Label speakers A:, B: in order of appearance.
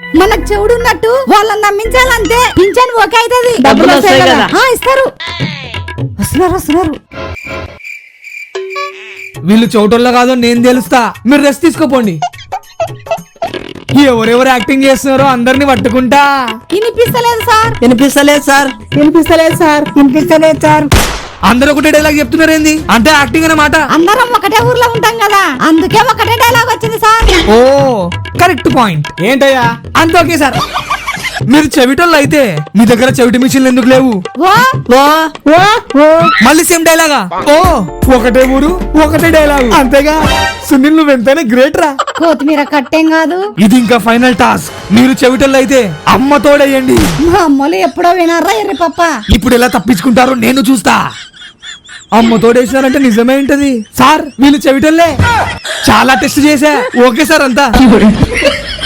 A: మనకు చెవుడున్నట్టు వాళ్ళని నమ్మించాలంటే pension okay అవుతుంది.
B: డబ్బులు వస్తాయి కదా.
A: ఇస్తారు. వస్తున్నారు.
C: వీళ్ళు చోటోళ్ళ కాదో నేను తెలుస్తా, మీరు రెస్ట్ తీసుకోపోండి. ఎవరెవరు యాక్టింగ్ చేస్తున్నారో అందరిని పట్టుకుంటా.
A: వినిపిస్తలేదు సార్.
C: అందరూ ఒకటే డైలాగ్ చెప్తున్నారు ఏంది? అంటే యాక్టింగ్ అన్నమాట.
A: అందరం ఒకటే ఊర్లో ఉంటాం కదా, అందుకే ఒకటే డైలాగ్ వచ్చింది సార్.
C: ఓ కరెక్ట్ పాయింట్.
D: ఏంటయ్యా
C: అంత ఓకే సార్. మీరు చెవిటోళ్ళు అయితే మీ దగ్గర చెవిటి మిషన్లు ఎందుకు లేవు? మళ్ళీ సేమ్ డైలాగా? ఓ ఒకటే ఊరు ఒకటే డైలాగ్ అంతేగా. సునీల్ నువ్వు ఎంతైనా గ్రేట్ రా.
A: కొత్తిమీర కట్టేం కాదు.
C: ఇది ఇంకా ఫైనల్ టాస్క్. మీరు చెవిటోళ్ళు అయితే అమ్మ తోడేయండి.
A: మా అమ్మలు ఎప్పుడో వినారా ఎర్రి పప్ప.
C: ఇప్పుడు ఎలా తప్పించుకుంటారో నేను చూస్తా. అమ్మ తోడేసినారంటే నిజమే ఉంటది సార్. వీళ్ళు చెవిటోళ్ళే. చాలా టెస్ట్ చేశా. ఓకే సార్ అంతా.